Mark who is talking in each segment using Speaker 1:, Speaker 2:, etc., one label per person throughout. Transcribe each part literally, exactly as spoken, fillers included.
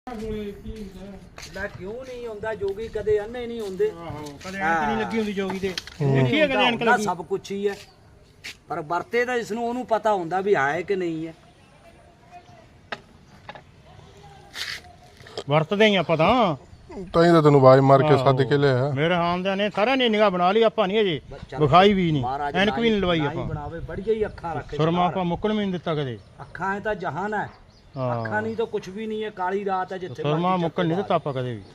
Speaker 1: ਮੈਂ ਕਿਉਂ ਨਹੀਂ ਹੁੰਦਾ ਜੋਗੀ ਕਦੇ ਅੰਨੇ ਨਹੀਂ ਹੁੰਦੇ।
Speaker 2: ਆਹੋ ਕਦੇ ਐਨਕ ਨਹੀਂ ਲੱਗੀ ਹੁੰਦੀ ਜੋਗੀ ਤੇ ਦੇਖੀ ਹੈ ਕਦੇ ਐਨਕ ਲੱਗੀ
Speaker 1: ਸਭ ਕੁਝ ਹੀ ਹੈ ਪਰ ਵਰਤੇ ਤਾਂ ਇਸ ਨੂੰ ਉਹਨੂੰ ਪਤਾ ਹੁੰਦਾ ਵੀ ਹੈ ਕਿ ਨਹੀਂ ਹੈ।
Speaker 2: ਵਰਤਦੇ ਹੀ ਆਪਾਂ ਤਾਂ
Speaker 3: ਤਾਂ ਹੀ ਤਾਂ ਤੈਨੂੰ ਆਵਾਜ਼ ਮਾਰ ਕੇ ਸੱਦ ਕੇ ਲਿਆ।
Speaker 2: ਮੇਰੇ ਹਾਮਦਿਆਂ ਨੇ ਸਾਰਿਆਂ ਨੇ ਨਿਗਾਹ ਬਣਾ ਲਈ ਆਪਾਂ ਨਹੀਂ ਅਜੇ ਵਿਖਾਈ ਵੀ ਨਹੀਂ ਐਨਕ ਵੀ ਨਹੀਂ ਲਵਾਈ ਆਪਾਂ
Speaker 1: ਬਣਾਵੇ ਬੜੀਆਂ ਹੀ ਅੱਖਾਂ ਰੱਖੇ
Speaker 2: ਸੁਰਮਾ ਆਪਾਂ ਮੁੱਕਣ ਵੀ ਨਹੀਂ ਦਿੱਤਾ ਕਦੇ।
Speaker 1: ਅੱਖਾਂ ਹੈ ਤਾਂ ਜਹਾਨ ਹੈ ਅੱਖਾਂ ਨਹੀਂ ਤਾਂ ਕੁਝ ਵੀ ਨਹੀਂ ਹੈ ਕਾਲੀ ਰਾਤ ਹੈ ਜਿੱਥੇ
Speaker 2: ਸੁਰਮਾ ਮੁੱਕਣ ਨਹੀਂ ਦਿੱਤਾ ਆਪਾਂ ਕਦੇ ਵੀ।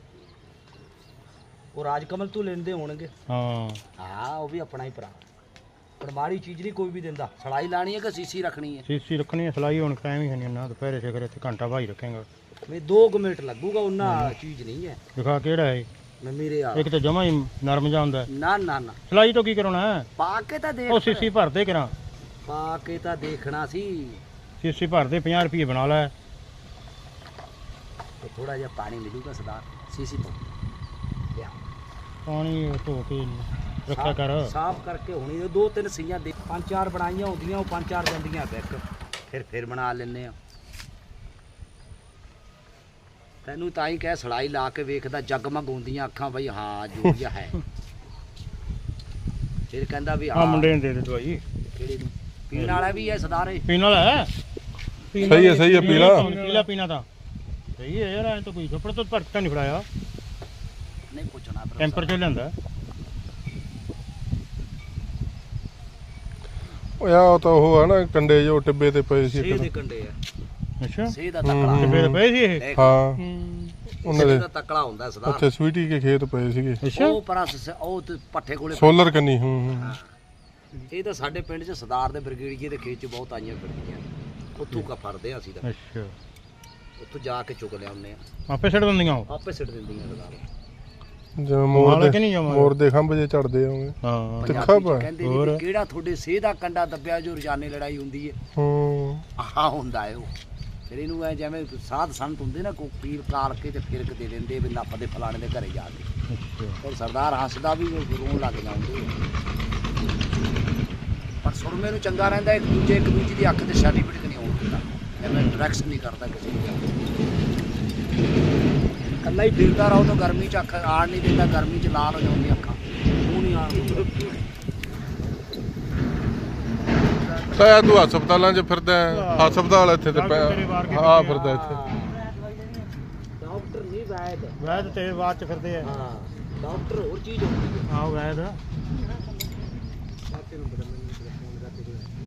Speaker 1: ਉਹ ਰਾਜਕਮਲ ਤੂੰ ਲੈਂਦੇ ਹੋਣਗੇ।
Speaker 2: ਹਾਂ
Speaker 1: ਹਾਂ ਉਹ ਵੀ ਆਪਣਾ ਹੀ ਭਰਾ ਪਰ ਮਾੜੀ ਚੀਜ਼ ਨਹੀਂ ਕੋਈ ਵੀ ਦਿੰਦਾ। ਸਲਾਈ ਲਾਣੀ ਹੈ ਕਿ ਸੀਸੀ ਰੱਖਣੀ ਹੈ?
Speaker 2: ਸੀਸੀ ਰੱਖਣੀ ਹੈ ਸਲਾਈ ਹੁਣ ਟਾਈਮ ਹੀ ਨਹੀਂ ਨਾ ਦੁਪਹਿਰੇ ਸੇ ਕਰੇ ਤੇ ਘੰਟਾ ਭਾਈ ਰੱਖੇਗਾ
Speaker 1: ਮੈਂ ਦੋ ਕੁ ਮਿੰਟ ਲੱਗੂਗਾ ਉਹਨਾਂ ਚੀਜ਼ ਨਹੀਂ ਹੈ।
Speaker 2: ਦਿਖਾ ਕਿਹੜਾ ਹੈ
Speaker 1: ਮੈਂ ਮੇਰੇ ਆ
Speaker 2: ਇੱਕ ਤਾਂ ਜਮਾ ਹੀ ਨਰਮ ਜਾਂਦਾ
Speaker 1: ਨਾ ਨਾ ਨਾ
Speaker 2: ਸਲਾਈ ਤੋਂ ਕੀ ਕਰਾਉਣਾ ਹੈ
Speaker 1: ਪਾ ਕੇ ਤਾਂ ਦੇਖ
Speaker 2: ਉਹ ਸੀਸੀ ਭਰਦੇ ਕਰਾਂ
Speaker 1: ਪਾ ਕੇ ਤਾਂ ਦੇਖਣਾ ਸੀ।
Speaker 2: ਸੀਸੀ ਭਰਦੇ ਪੰਜਾਹ ਰੁਪਏ ਬਣਾ ਲੈ
Speaker 1: ਤੇ ਥੋੜਾ ਜਿਹਾ ਪਾਣੀ ਮਿਲੂਗਾ ਸਰਦਾਰ ਸੀਸੀ ਤੋਂ ਲਿਆ
Speaker 2: ਪਾਣੀ ਧੋ ਕੇ ਰੱਖਿਆ ਕਰ
Speaker 1: ਸਾਫ਼ ਕਰਕੇ ਹੁਣੀ ਦੋ ਤਿੰਨ ਸੀਆਂ ਦੇ ਪੰਜ ਚਾਰ ਬਣਾਈਆਂ ਹੁੰਦੀਆਂ ਉਹ ਪੰਜ ਚਾਰ ਜਾਂਦੀਆਂ ਬੈਕ ਫਿਰ ਫਿਰ ਬਣਾ ਲੈਂਦੇ ਆ। ਤੈਨੂੰ ਤਾਂ ਹੀ ਕਹਿ ਸੜਾਈ ਲਾ ਕੇ ਵੇਖਦਾ ਜਗਮਗ ਹੁੰਦੀਆਂ ਅੱਖਾਂ ਬਈ ਹਾਂ ਜੂਰੀਆ ਹੈ। ਫਿਰ ਕਹਿੰਦਾ ਵੀ
Speaker 2: ਆ
Speaker 1: ਹਾਂ
Speaker 2: ਮੁੰਡੇ ਨੂੰ ਦੇ ਦੇ ਦਵਾਈ
Speaker 1: ਕਿਹੜੇ ਨੂੰ ਪੀਣ ਵਾਲਾ ਵੀ ਹੈ ਸਰਦਾਰੇ
Speaker 2: ਪੀਣ ਵਾਲਾ ਹੈ
Speaker 3: ਸਹੀ ਹੈ ਸਹੀ ਹੈ ਪੀਲਾ
Speaker 2: ਪੀਲਾ ਪੀਣਾ ਤਾਂ ਸਹੀ ਹੈ ਯਾਰ ਐ ਤਾਂ ਕੋਈ ਕੱਪੜੇ ਤੋਂ ਭਰਤਾ ਨਹੀਂ ਫੜਾਇਆ
Speaker 1: ਨਹੀਂ ਪੁੱਛਣਾ
Speaker 2: ਟੈਂਪਰ ਚ ਲੈਂਦਾ
Speaker 3: ਓਏ ਆ ਤਾਂ ਉਹ ਹੈ ਨਾ ਕੰਡੇ ਜੋ ਟਿੱਬੇ ਤੇ ਪਏ ਸੀ
Speaker 1: ਸੇਹ ਦੇ
Speaker 3: ਇੱਕ
Speaker 1: ਕੰਡੇ ਆ
Speaker 2: ਅੱਛਾ
Speaker 1: ਸੇਹ ਦਾ ਤਕੜਾ
Speaker 2: ਤੇ ਫੇਰ ਪਏ ਸੀ ਇਹ
Speaker 3: ਹਾਂ ਉਹਨਾਂ ਦੇ
Speaker 1: ਦਾ ਤਕੜਾ ਹੁੰਦਾ ਸਰਦਾਰ
Speaker 3: ਉੱਥੇ ਸਵੀਟੀ ਕੇ ਖੇਤ ਪਏ ਸੀਗੇ
Speaker 2: ਅੱਛਾ
Speaker 1: ਉਹ ਪਰਾਂ ਉਹ ਤੇ ਪੱਠੇ ਕੋਲੇ
Speaker 3: ਸੋਲਰ ਕੰਨੀ ਹੂੰ ਹੂੰ
Speaker 1: ਇਹ ਤਾਂ ਸਾਡੇ ਪਿੰਡ 'ਚ ਸਰਦਾਰ ਦੇ ਬਰਗੇੜੀਏ ਦੇ ਖੇਤ 'ਚ ਬਹੁਤ ਆਈਆਂ ਫਿਰਦੀਆਂ ਉੱਥੋਂ ਕਾ ਫੜਦੇ ਆ ਅਸੀਂ ਤਾਂ
Speaker 2: ਅੱਛਾ
Speaker 1: ਉੱਥੋਂ ਜਾ ਕੇ ਚੁੱਕ ਲਿਆਉਂਦੇ ਆ
Speaker 2: ਆਪੇ ਛੱਡ ਦਿੰਦੀਆਂ ਉਹ
Speaker 1: ਆਪੇ ਸਿੱਟ ਦਿੰਦੀਆਂ ਸਰਦਾਰ
Speaker 3: ਜਿਵੇਂ ਮੋਰ
Speaker 2: ਕਿ ਨਹੀਂ
Speaker 3: ਦੇ
Speaker 2: ਜਮਾਂ?
Speaker 3: ਮੋਰ ਦੇ ਖੰਭ ਜੇ ਚੜਦੇ ਆਉਂਗੇ
Speaker 2: ਹਾਂ
Speaker 3: ਤਿੱਖਾ
Speaker 1: ਪੰਜਾਬੀ 'ਚ
Speaker 3: ਪਾ
Speaker 1: ਕਹਿੰਦੇ ਨੇ ਵੀ ਕਿਹੜਾ ਤੁਹਾਡੇ ਸੇਹ ਦਾ ਕੰਡਾ ਦੱਬਿਆ ਜੋ ਰੋਜ਼ਾਨੇ ਲੜਾਈ ਹੁੰਦੀ ਹੈ
Speaker 3: ਹੂੰ
Speaker 1: ਆਹ ਹੁੰਦਾ ਹੈ ਉਹ ਫਿਰ ਇਹਨੂੰ ਐ ਜਿਵੇਂ ਸਾਧ ਸੰਤ ਹੁੰਦੇ ਨਾ ਕੋਈ ਪੀਰ ਕਾਲ ਕੇ ਤੇ ਫਿਰਕ ਦੇ ਦਿੰਦੇ ਵੀ ਨੱਪ ਦੇ ਫਲਾਣੇ ਦੇ ਘਰੇ ਜਾ ਕੇ
Speaker 2: ਅੱਛਾ
Speaker 1: ਫਿਰ ਸਰਦਾਰ ਹੱਸਦਾ ਵੀ ਰੋਣ ਲੱਗ ਜਾਂਦੇ ਪਰ ਸੁਰਮੇ ਨੂੰ ਚੰਗਾ ਰਹਿੰਦਾ ਇੱਕ ਦੂਜੇ ਇੱਕ ਦੂਜੇ ਦੀ ਅੱਖ ਤੇ ਸਰਟੀਫਿਕੇਟ ਨਹੀਂ ਹੋਣ ਦਿੰਦਾ ਐਵੇਂ ਡਾਇਰੈਕਸ਼ਨ ਨਹੀਂ ਕਰਦਾ ਕਿਸੇ ਨੂੰ ਇਕੱਲਾ ਹੀ ਫਿਰਦਾ ਰਹੋ ਤਾਂ ਗਰਮੀ 'ਚ ਅੱਖ ਆੜ ਨਹੀਂ ਦਿੰਦਾ ਗਰਮੀ 'ਚ ਲਾਲ ਹੋ ਜਾਂਦੀ ਅੱਖਾਂ ਉਹ ਨਹੀਂ ਆੜ
Speaker 3: ਤਾਂ ਤੂੰ ਹਸਪਤਾਲਾਂ 'ਚ ਫਿਰਦਾ ਹਸਪਤਾਲ ਇੱਥੇ ਤੇ ਹਾਂ ਫਿਰਦਾ ਇੱਥੇ
Speaker 1: ਡਾਕਟਰ ਨਹੀਂ ਵੈਦ
Speaker 2: ਵੈਦ ਤੇ ਬਾਅਦ ਚ ਫਿਰਦੇ ਆ
Speaker 1: ਹਾਂ ਡਾਕਟਰ ਹੋਰ ਚੀਜ਼ ਹੁੰਦੀ ਹੈ
Speaker 2: ਆਹ ਵੈਦ
Speaker 1: ਸਾਥੀ ਨੂੰ ਬਦਲਣ